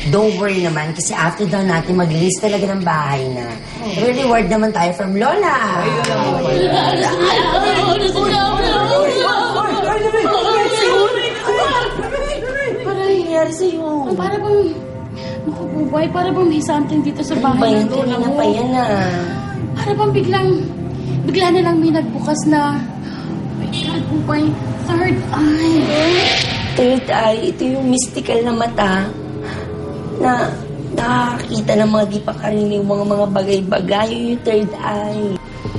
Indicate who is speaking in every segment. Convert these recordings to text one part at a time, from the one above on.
Speaker 1: Don't worry naman kasi after daw natin mag-list talaga ng bahay na. May reward naman tayo from Lola.
Speaker 2: Para nangyari sa'yo. Para bang... Naku, Bubay, para bang may something dito sa bahay ng Lola mo.
Speaker 1: Pa yan
Speaker 2: Para bang bigla na lang may nagbukas na... Oh my God, Bubay, third eye.
Speaker 1: Third eye, ito yung mystical na mata na nakakita ng mga di pa karaniwang mga bagay-bagay. Yung third eye.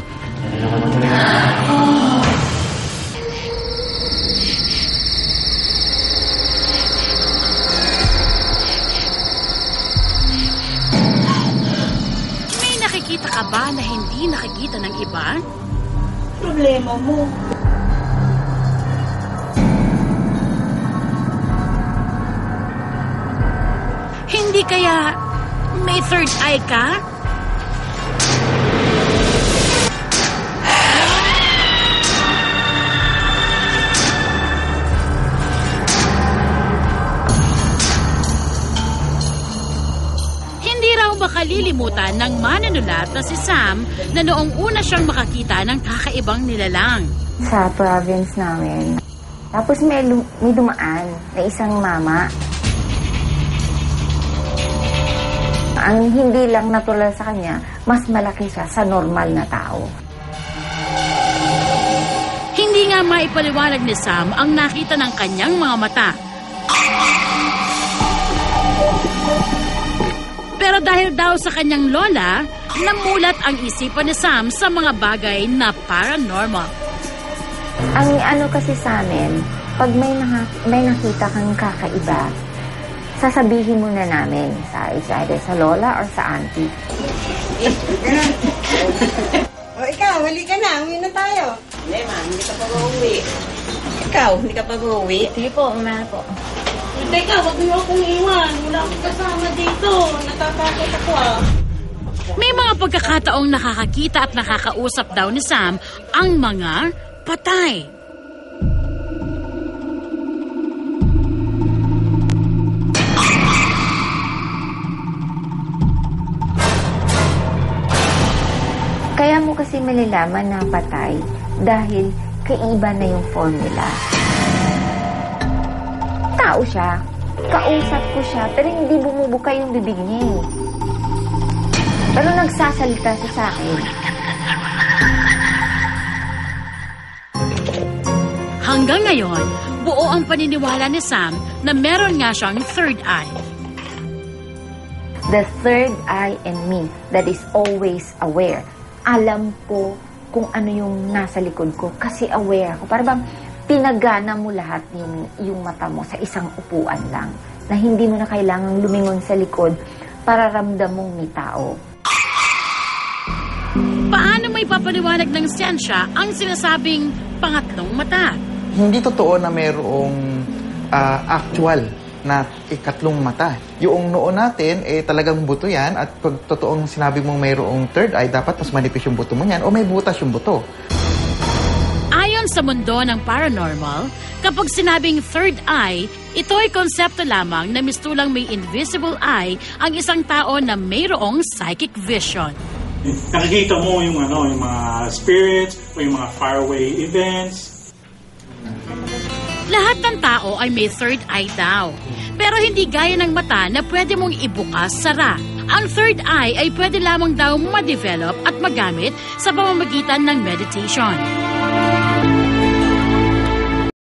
Speaker 2: May nakikita ka ba na hindi nakikita ng iba?
Speaker 3: Problema mo.
Speaker 2: Hindi kaya may third eye ka? Hindi raw makalilimutan ng manunulat na si Sam na noong una siyang makakita ng kakaibang nilalang.
Speaker 4: Sa province namin. Tapos may dumaan na isang mama. Ang hindi lang natural sa kanya, mas malaki siya sa normal na tao.
Speaker 2: Hindi nga maipaliwanag ni Sam ang nakita ng kanyang mga mata. Pero dahil daw sa kanyang lola, namulat ang isipan ni Sam sa mga bagay na paranormal.
Speaker 4: Ang ano kasi sa amin, pag may nakita kang kakaiba, sasabihin muna namin sa either sa lola or sa auntie.
Speaker 3: O ikaw, huli ka na. Uwi na tayo. Hindi, ma'am. Hindi ka pa uuwi. Ikaw, hindi ka pa uuwi.
Speaker 4: Sige po, umana po.
Speaker 3: Teka, wag mo akong iwan. Wala akong kasama dito. Natatakot ako
Speaker 2: May mga pagkakataong nakakakita at nakakausap daw ni Sam ang mga patay.
Speaker 4: Kaya mo kasi malalaman na patay dahil kaiba na yung formula. Tao siya. Kausap ko siya, pero hindi bumubuka yung bibig niya eh. Pero nagsasalita siya sa akin.
Speaker 2: Hanggang ngayon, buo ang paniniwala ni Sam na meron nga siyang third eye.
Speaker 4: The third eye in me that is always aware. Alam ko kung ano yung nasa likod ko kasi aware ako. Para bang pinagana mo lahat yung mata mo sa isang upuan lang na hindi mo na kailangang lumingon sa likod para ramdam mong may tao.
Speaker 2: Paano may papaliwanag ng siyensya ang sinasabing pangatlong mata?
Speaker 5: Hindi totoo na mayroong actual na ikatlong mata. Yung noo natin, talagang buto yan. At pag totoong sinabi mong mayroong third eye, dapat mas manipis yung buto mo yan o may butas yung buto.
Speaker 2: Ayon sa mundo ng paranormal, kapag sinabing third eye, ito ay konsepto lamang na mistulang may invisible eye ang isang tao na mayroong psychic vision.
Speaker 6: Nakikita mo yung mga spirits o yung mga faraway events.
Speaker 2: Lahat ng tao ay may third eye daw. Pero hindi gaya ng mata na pwede mong ibukas sara. Ang third eye ay pwede lamang daw ma-develop at magamit sa pamamagitan ng meditation.